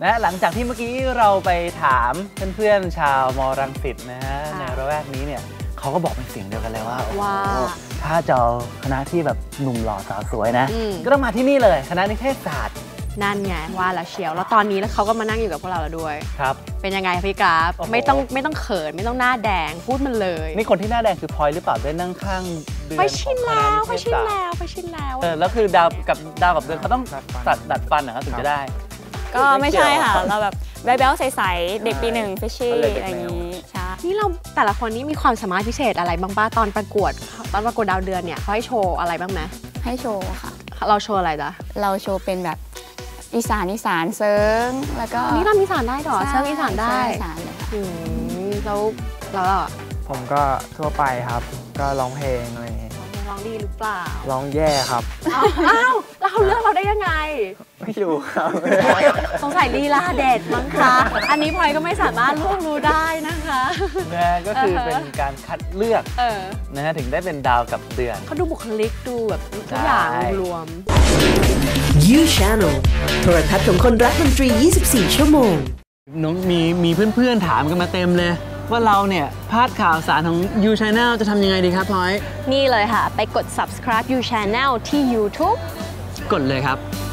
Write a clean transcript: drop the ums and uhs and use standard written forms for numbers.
นะหลังจากที่เมื่อกี้เราไปถามเพื่อนๆชาวมรังสิตนะฮะในระแวกนี้เนี่ยเขาก็บอกเป็นเสียงเดียวกันเลยว่าถ้าจะเอาคณะที่แบบหนุ่มหล่อสาวสวยนะก็ต้องมาที่นี่เลยคณะนิเทศศาสตร์นั่นไงว่าละเชียวแล้วตอนนี้แล้วเขาก็มานั่งอยู่กับพวกเราแล้วด้วยครับเป็นยังไงพี่กราฟไม่ต้องเขินไม่ต้องหน้าแดงพูดมันเลยนี่คนที่หน้าแดงคือพลอยหรือเปล่าได้นั่งข้างเดือนไปชินแล้วแล้วคือดาวกับเดือนเขาต้องดัดฟันเหรอถึงจะได้ก็ไม่ใช่ค่ะเราแบบแบ๊วๆใสๆเด็กปี1เฟชชี่อะไรอย่างนี้ใช่นี่เราแต่ละคนนี้มีความสามารถพิเศษอะไรบ้างป้าตอนประกวดดาวเดือนเนี่ยเขาให้โชว์อะไรบ้างไหมให้โชว์ค่ะเราโชว์อะไรจ๊ะเราโชว์เป็นแบบอีสานเซิงแล้วก็นี่เราอีสานได้หรอเซิงอีสานได้แล้วผมก็ทั่วไปครับก็ร้องเพลงอะไรอย่างเงี้ยร้องดีหรือเปล่าร้องแย่ครับอ้าวแล้วเขาเลือกเราได้ยังไงไม่รู้ครับสงสัยลีลาเด็ดมั้งคะอันนี้พลอยก็ไม่สามารถล่วงรู้ได้นะคะนะก็คือเป็นการคัดเลือกนะฮะถึงได้เป็นดาวกับเดือนเขาดูบุคลิกดูแบบทุกอย่างรวม You Channel โทรทัศน์ของคนรักดนตรี 24 ชั่วโมงน้องมีเพื่อนๆถามกันมาเต็มเลยว่าเราเนี่ยพลาดข่าวสารของ You Channel จะทำยังไงดีครับพลอยนี่เลยค่ะไปกด subscribe You Channel ที่ YouTube กดเลยครับ